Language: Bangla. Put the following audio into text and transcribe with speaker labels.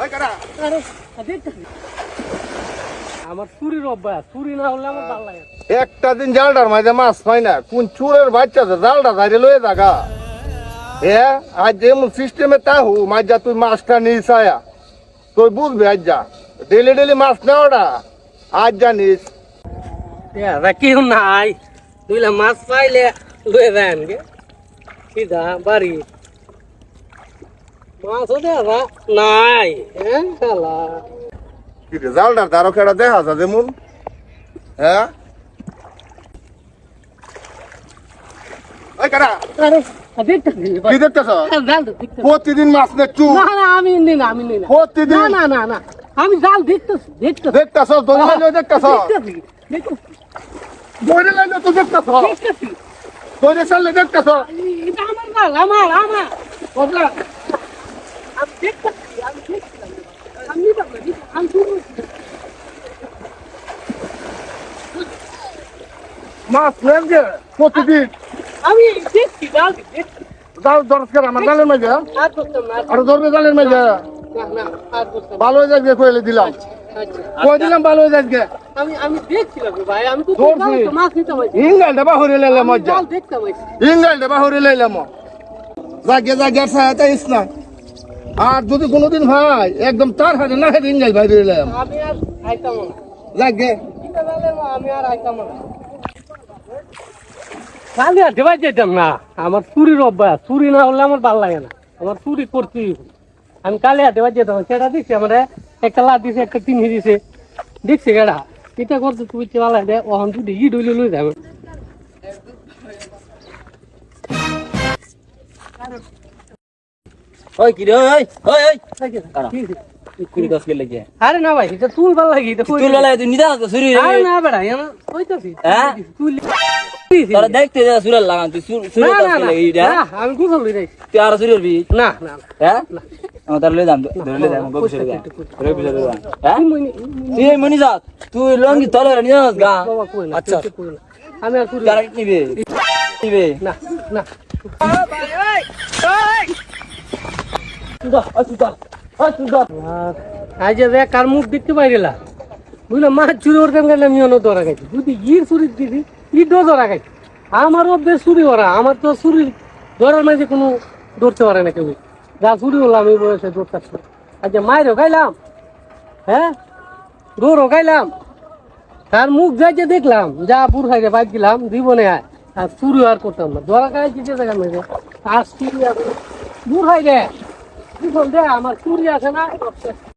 Speaker 1: আমার চুরির অভ্যাস, চুরি না হলে আমার ভালো লাগে।
Speaker 2: একটা দিন জালটার মাঝে মাছ পাই না, কোন চুরের বাচ্চা জালটা ধারে লয়ে থাকা। হ্যাঁ, আজ যেমন সিস্টেমে তাহু মাছ যা তুই মাছটা নিস আয়া তুই বুঝবি। আজ যা ডেলি ডেলি মাছ নেওয়াটা আজ জানিস।
Speaker 1: কেউ নাই, দুইলা মাছ পাইলে লয়ে যান গে সিধা বাড়ি। মাছও দেখা নাই। হ্যাঁ শালা
Speaker 2: জালটার ধারো কেটা দেখা যা যেমন। হ্যাঁ কি দেখতেছ? প্রতিদিন মাছ নেচু।
Speaker 1: আমি নি না, আমি নি না,
Speaker 2: প্রতিদিন
Speaker 1: না না না, আমি জাল দেখতেছি দেখতেছি
Speaker 2: দেখতেছ, দৌড়ে লাইলে দেখতেছ,
Speaker 1: দেখতেছি
Speaker 2: দৌড়ে লাইলে তো দেখতেছ,
Speaker 1: দেখতেছি।
Speaker 2: দৌড়ে চাললে দেখতেছ।
Speaker 1: এটা আমার জাল, আমার বদলা। আমি দেখতেছি, আমি দেখতেছি, আমি নিতাম না, আমি শুরু
Speaker 2: মাছ নেন যে প্রতিদিন
Speaker 1: আমি দেখছি জাল দেখছি।
Speaker 2: জাল দরকার আমার জালের মাঝে।
Speaker 1: আর করতাম না,
Speaker 2: আর ধরবে জালের মাঝে
Speaker 1: না না, আর করতাম না।
Speaker 2: ভালো হয়ে যাচ্ছে কইলে দিলাম,
Speaker 1: আচ্ছা,
Speaker 2: কই দিলাম ভালো হয়ে যাচ্ছে।
Speaker 1: আমি দেখছিলাম রে ভাই, আমি তো
Speaker 2: ধরছি।
Speaker 1: মাছ নিতাম।
Speaker 2: ইংগাল ডবা হরে লাইলাম মজ্জা,
Speaker 1: জাল দেখতাম।
Speaker 2: ইংগাল ডবা হরে লাইলাম জাগে জাগে ছায়াটা ইসনা। আর যদি কোনোদিন ভাই একদম তার হাতে না হেঁটে ইংগাল বাইরে লাইলাম
Speaker 1: আমি আর আইতাম না,
Speaker 2: জাগে।
Speaker 1: এটা জালে আমি আর আইতাম না। কালি আর দেওয়া যেতাম না, আমার চুরির অভ্যাস, চুরি না হলে আমার ভালো লাগে না, আমার চুরি করছি। আমি কালি আর দেওয়া যেতাম, সেটা দেখছি আমার একটা লাভ দিছে, একটা তিন দিছে, দেখছি কেডা এটা করতে তুমি ভালো লাগে। ওখান যদি ই ডইলে লই যাবে।
Speaker 3: ওই কি রে, ওই ওই ওই কুড়ি দশ কে লাগে।
Speaker 1: আরে না ভাই, এটা তুল ভালো লাগে, এটা
Speaker 3: তুই ললাই তুই নিদা তো সুরি রে।
Speaker 1: আরে না বেড়া, এমন কইতাছি
Speaker 3: হ্যাঁ?
Speaker 1: তুই
Speaker 3: তোরা দেখতে যা সুরাল লাগান তুই সুরি
Speaker 1: না
Speaker 3: দশ
Speaker 1: না
Speaker 3: কে লাগে ইডা।
Speaker 1: না, আমি গুছল লই যাই।
Speaker 3: তুই আর সুরি হবি
Speaker 1: না না
Speaker 3: হ্যাঁ? আমার তার লই যাম, ধরে লই যাম গো বিছরে যা। ধরে বিছরে যা। হ্যাঁ? তুই মনি যা, তুই লঙ্গি তলে রে নিয়াস গা।
Speaker 1: বাবা কই না,
Speaker 3: আচ্ছা
Speaker 1: কই না, আমি আর চুরি
Speaker 3: কারেক্ট নিবে নিবে
Speaker 1: না না।
Speaker 3: তুই যা
Speaker 1: আজ যে কার মুখ দেখতে পাইলা, বুঝলাম মাছ চুরি করতাম গেলে আমি অন্য ধরা খাইছি। যদি ইর চুরি দিদি ইটও ধরা খাইছি। আমারও বেশ চুরি করা, আমার তো চুরি ধরার মাঝে কোনো ধরতে পারে না কেউ। যা চুরি হলাম এই বয়সে ধরতে পারছি। আজ মায়েরও খাইলাম, হ্যাঁ গরুও খাইলাম, তার মুখ যাই যে দেখলাম, যা বুড় খাইতে বাইক দিলাম জীবনে আয়। আর চুরি আর করতাম না, ধরা খাইছি যে জায়গার মেঝে আর চুরি আর বুড় খাই দে দে আমার চুরি আছে না।